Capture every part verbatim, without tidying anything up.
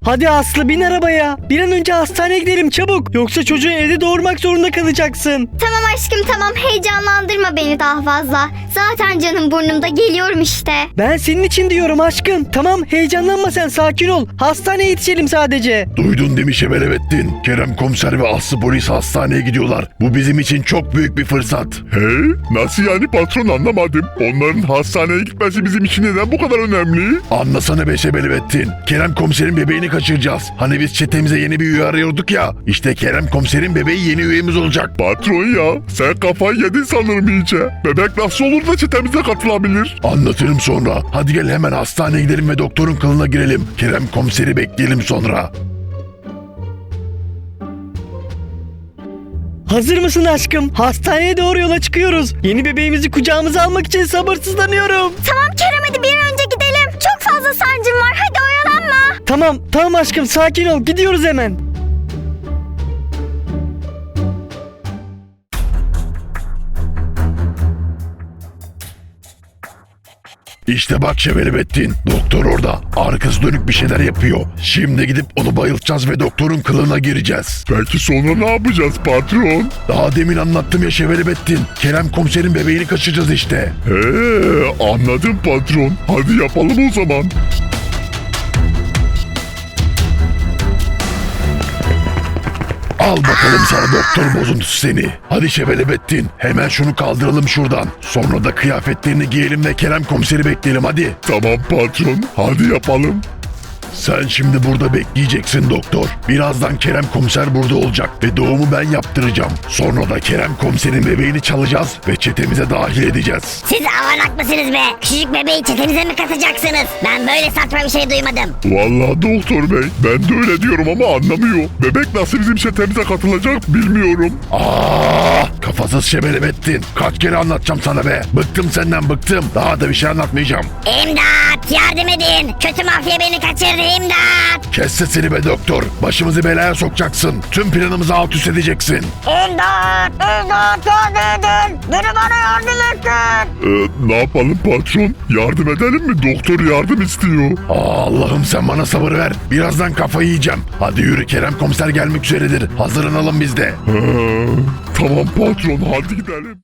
Hadi Aslı bin arabaya. Bir an önce hastaneye gidelim çabuk. Yoksa çocuğu evde doğurmak zorunda kalacaksın. Tamam aşkım tamam, heyecanlandırma beni daha fazla. Zaten canım burnumda, geliyorum işte. Ben senin için diyorum aşkım. Tamam heyecanlanma sen, sakin ol. Hastaneye yetişelim sadece. Duydun değil mi Şebelettin? Kerem komiser ve Aslı polis hastaneye gidiyorlar. Bu bizim için çok büyük bir fırsat. He? Nasıl yani patron, anlamadım. Onların hastaneye gitmesi bizim için neden bu kadar önemli? Anlasana be Şebelettin. Kerem komiserin bebeğini kaçıracağız. Hani biz çetemize yeni bir üye arıyorduk ya. İşte Kerem komiserin bebeği yeni üyemiz olacak. Patron ya, sen kafayı yedin sanırım iyice. Bebek nasıl olur da çetemize katılabilir? Anlatırım sonra. Hadi gel hemen hastaneye gidelim ve doktorun kılına girelim. Kerem komiseri bekleyelim sonra. Hazır mısın aşkım? Hastaneye doğru yola çıkıyoruz. Yeni bebeğimizi kucağımıza almak için sabırsızlanıyorum. Tamam Kerem, hadi bir an önce gidelim. Çok fazla sancım var, hadi oyalanma. Tamam tamam aşkım, sakin ol, gidiyoruz hemen. İşte bak Şebelettin. Doktor orada. Arkası dönük bir şeyler yapıyor. Şimdi gidip onu bayıltacağız ve doktorun kılığına gireceğiz. Peki sonra ne yapacağız patron? Daha demin anlattım ya Şebelettin. Kerem komiserin bebeğini kaçıracağız işte. He, anladım patron. Hadi yapalım o zaman. Al bakalım sana doktor bozuntusu seni. Hadi Şebelettin, hemen şunu kaldıralım şuradan. Sonra da kıyafetlerini giyelim ve Kerem komiseri bekleyelim hadi. Tamam patron, hadi yapalım. Sen şimdi burada bekleyeceksin doktor. Birazdan Kerem komiser burada olacak ve doğumu ben yaptıracağım. Sonra da Kerem komiserin bebeğini çalacağız ve çetemize dahil edeceğiz. Siz avanak mısınız be? Küçücük bebeği çetenize mi katacaksınız? Ben böyle saçma bir şey duymadım. Vallahi doktor bey, ben de öyle diyorum ama anlamıyor. Bebek nasıl bizim çetemize katılacak bilmiyorum. Aa, kafasız Şebelettin. Kaç kere anlatacağım sana be. Bıktım senden bıktım. Daha da bir şey anlatmayacağım. İmdat! Yardım edin! Kötü mafya beni kaçırdı, imdat! Kes sesini be doktor. Başımızı belaya sokacaksın. Tüm planımızı alt üst edeceksin. İmdat! İmdat! Yardım edin! Biri bana yardım etsin! Ee, ne yapalım patron? Yardım edelim mi? Doktor yardım istiyor. Aa, Allah'ım sen bana sabır ver. Birazdan kafayı yiyeceğim. Hadi yürü, Kerem komiser gelmek üzeredir. Hazırlanalım biz de. Ha, tamam patron, hadi gidelim.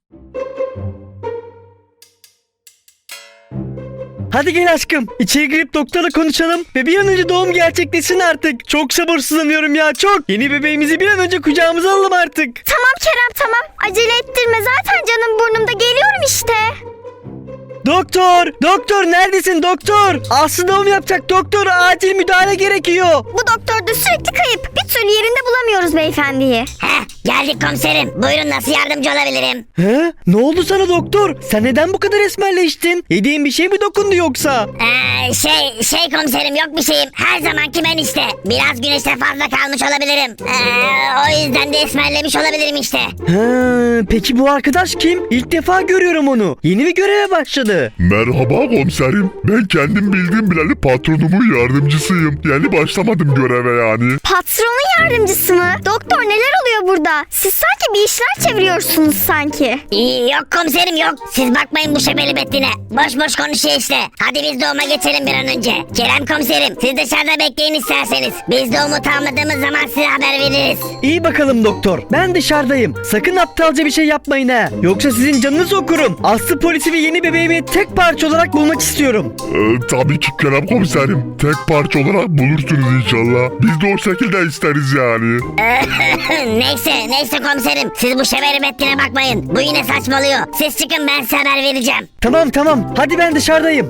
Hadi gel aşkım. İçeri girip doktorla konuşalım ve bir an önce doğum gerçekleşsin artık. Çok sabırsızlanıyorum ya, çok. Yeni bebeğimizi bir an önce kucağımıza alalım artık. Tamam Kerem tamam, acele ettirme, zaten canım burnumda, geliyorum işte. Doktor! Doktor neredesin doktor? Aslı doğum yapacak doktor. Acil müdahale gerekiyor. Bu doktor da sürekli kayıp, bir türlü yerinde bulamıyoruz beyefendiyi. Heh, geldik komiserim. Buyurun, nasıl yardımcı olabilirim? He? Ne oldu sana doktor? Sen neden bu kadar esmerleştin? Yediğin bir şey mi dokundu yoksa? Ee, şey, şey komiserim, yok bir şeyim. Her zamanki ben işte. Biraz güneşte fazla kalmış olabilirim. Ee, o yüzden de esmerlemiş olabilirim işte. He, peki bu arkadaş kim? İlk defa görüyorum onu. Yeni bir göreve başladı. Merhaba komiserim. Ben kendim bildiğim bileli patronumun yardımcısıyım. Yeni başlamadım göreve yani. Patronun yardımcısı mı? Doktor neler oluyor burada? Siz sanki bir işler çeviriyorsunuz sanki. İyi, yok komiserim yok. Siz bakmayın bu şebeli bettine. Boş boş konuşuyor işte. Hadi biz doğuma geçelim bir an önce. Kerem komiserim, siz dışarıda bekleyin isterseniz. Biz doğumu tamamladığımız zaman size haber veririz. İyi bakalım doktor. Ben dışarıdayım. Sakın aptalca bir şey yapmayın ha. Yoksa sizin canınızı okurum. Aslı polisi ve yeni bebeğimi tek parça olarak bulmak istiyorum. Ee, tabii ki Kerem komiserim. Tek parça olarak bulursunuz inşallah. Biz de o şekilde isteriz yani. neyse, neyse komiserim. Siz bu şebeli bettine bakmayın. Bu yine saçmalıyor. Siz çıkın, ben size haber vereceğim. Tamam tamam. Hadi ben dışarıdayım.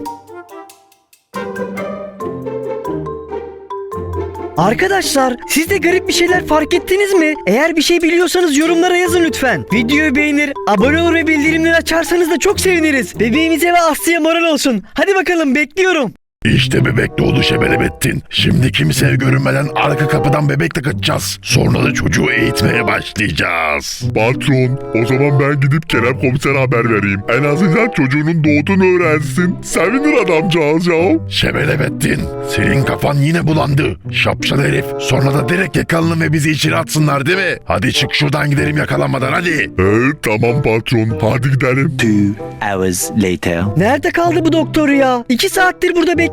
Arkadaşlar, siz de garip bir şeyler fark ettiniz mi? Eğer bir şey biliyorsanız yorumlara yazın lütfen. Videoyu beğenir, abone olur ve bildirimleri açarsanız da çok seviniriz. Bebeğimize ve Aslı'ya moral olsun. Hadi bakalım, bekliyorum. İşte bebek doğdu Şebelettin. Şimdi kimseye görünmeden arka kapıdan bebekle kaçacağız. Sonra da çocuğu eğitmeye başlayacağız. Patron, o zaman ben gidip Kerem komisere haber vereyim. En azından çocuğunun doğduğunu öğrensin. Sevinir adamcağız ya. Şebelettin, senin kafan yine bulandı. Şapşal herif. Sonra da direkt yakalanın ve bizi içeri atsınlar değil mi? Hadi çık şuradan gidelim yakalanmadan hadi. Evet tamam patron, hadi gidelim. Two hours later. Nerede kaldı bu doktor ya? İki saattir burada bekliyorum.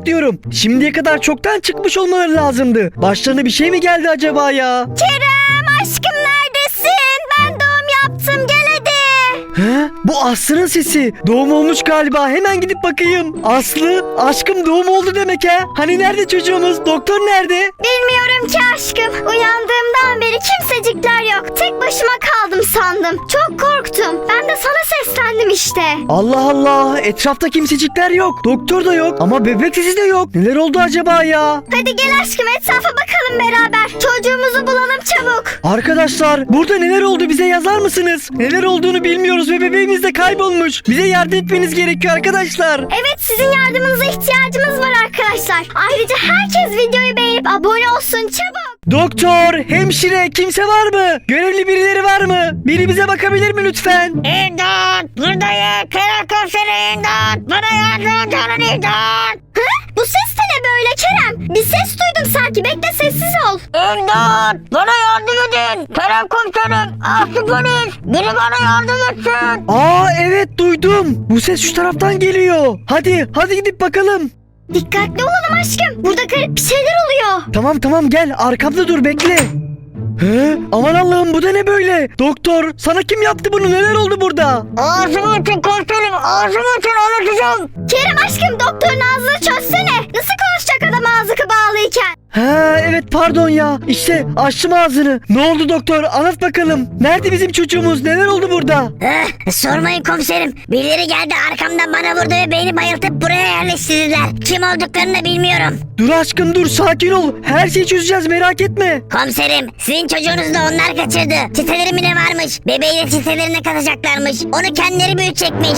bekliyorum. Şimdiye kadar çoktan çıkmış olmaları lazımdı. Başlarına bir şey mi geldi acaba ya? Kerem aşkım neredesin? Ben doğum yaptım gel hadi. He? Bu Aslı'nın sesi. Doğum olmuş galiba. Hemen gidip bakayım. Aslı, aşkım doğum oldu demek ha. Hani nerede çocuğumuz? Doktor nerede? Bilmiyorum ki aşkım. Uyandığımdan beri kimsecikler yok. Tek başıma kaldım sandım. Çok korktum. Ben de sana seslendim işte. Allah Allah. Etrafta kimsecikler yok. Doktor da yok. Ama bebek sesi de yok. Neler oldu acaba ya? Hadi gel aşkım etrafa bakalım beraber. Çocuğumuzu bulalım çabuk. Arkadaşlar, burada neler oldu bize yazar mısınız? Neler olduğunu bilmiyoruz ve bebeğimiz de kaybolmuş. Bize yardım etmeniz gerekiyor arkadaşlar. Evet sizin yardımınıza ihtiyacımız var arkadaşlar. Ayrıca herkes videoyu beğenip abone olsun çabuk. Doktor, hemşire, kimse var mı? Görevli birileri var mı? Biri bize bakabilir mi lütfen? İmdat! Buradayım! Kerem komiserim imdat! Bana yardım edin imdat! Hı? Bu ses de ne böyle Kerem? Bir ses duydum sanki. Bekle sessiz ol. İmdat! Bana yardım edin! Kerem komiserim! Aslı polis! Biri bana yardım etsin! Aa evet duydum. Bu ses şu taraftan geliyor. Hadi, hadi gidip bakalım. Dikkatli olalım aşkım. Burada garip bir şeyler oluyor. Tamam tamam gel arkamda dur bekle. He? Aman Allah'ım bu da ne böyle? Doktor sana kim yaptı bunu? Neler oldu burada? Ağzımı açın komiserim! Ağzımı açın anlatacağım! Kerem aşkım doktorun ağzını çözsene. Nasıl konuşacak adam ağzı bağlıyken? Ha evet pardon ya. İşte açtım ağzını. Ne oldu doktor? Anlat bakalım. Nerede bizim çocuğumuz? Neler oldu burada? Eh, sormayın komiserim. Birileri geldi arkamdan bana vurdu ve beni bayıltıp buraya yerleştirdiler. Kim olduklarını da bilmiyorum. Dur aşkım dur sakin ol. Her şeyi çözeceğiz merak etme. Komiserim sizin çocuğunuzu da onlar kaçırdı. Çiteleri mi ne varmış? Bebeği de çitelerine katacaklarmış. Onu kendileri büyütecekmiş.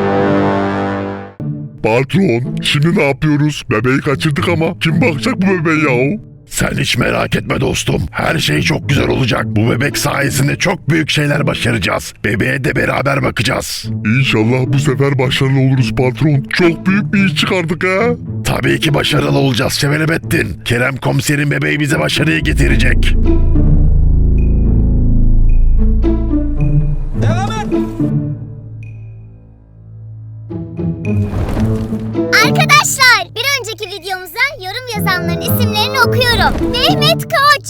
Patron, şimdi ne yapıyoruz? Bebeği kaçırdık ama kim bakacak bu bebeğe yahu? Sen hiç merak etme dostum. Her şey çok güzel olacak. Bu bebek sayesinde çok büyük şeyler başaracağız. Bebeğe de beraber bakacağız. İnşallah bu sefer başarılı oluruz patron. Çok büyük bir iş çıkardık ha. Tabii ki başarılı olacağız Şevelebettin. Kerem komiserin bebeği bize başarıyı getirecek. Arkadaşlar bir önceki videomuza yorum yazanların isimlerini okuyorum. Mehmet Koç,